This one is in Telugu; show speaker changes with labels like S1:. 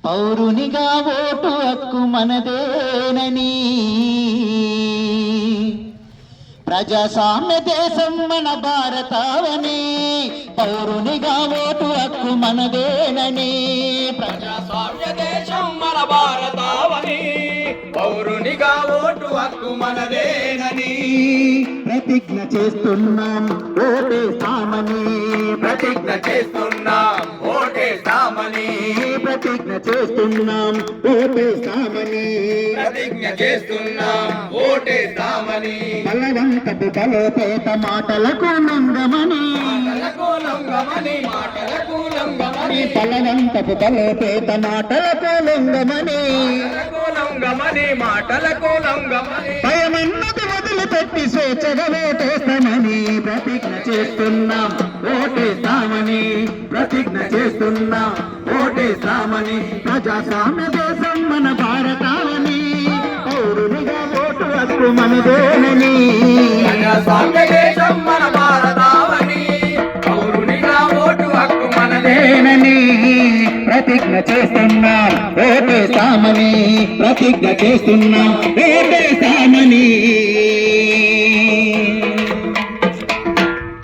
S1: పౌరునిగా ఓటు హక్కు మనదేనని ప్రజాస్వామ్య దేశం మన భారతావని పౌరునిగా ఓటు హక్కు మనదేనని
S2: ప్రజాస్వామ్య దేశం మన భారతావని పౌరునిగా ఓటు హక్కు మనదేనని
S1: ప్రతిజ్ఞ చేస్తున్నాం ఓటేస్తామని
S2: ప్రతిజ్ఞ చేస్తున్నాం ఓటేస్తామని
S1: ప్రతిజ్ఞ చేస్తున్నాం ఓటేస్తామని
S2: ప్రతిజ్ఞ చేస్తున్నాం ఓటేస్తామని
S1: బలవంతపు బలోపేత మాటలకు నంగమని
S2: మాటలకు లొంగమని మాటలకు లొంగమని
S1: బలవంతపు బలోపేత మాటలకు లొంగమని
S2: మాటలకు లొంగమని మాటలకు లొంగమని
S1: భయమన్నది వదిలిపెట్టి స్వేచ్ఛగా ఓటేస్తామని ప్రతిజ్ఞ చేస్తున్నాం ఓటేస్తామని ప్రతిజ్ఞ చేస్తున్నాం ఓటేస్తామని ప్రజాస్వామ్య దేశం మన భారతావని పౌరునిగా ఓటు హక్కు మనదేనని
S2: ప్రజాస్వామ్య దేశం మన భారతావని పౌరునిగా ఓటు హక్కు మనదేనని
S1: ప్రతిజ్ఞ చేస్తున్నాం ఓటేస్తామని ప్రతిజ్ఞ చేస్తున్నాం ఓటేస్తామని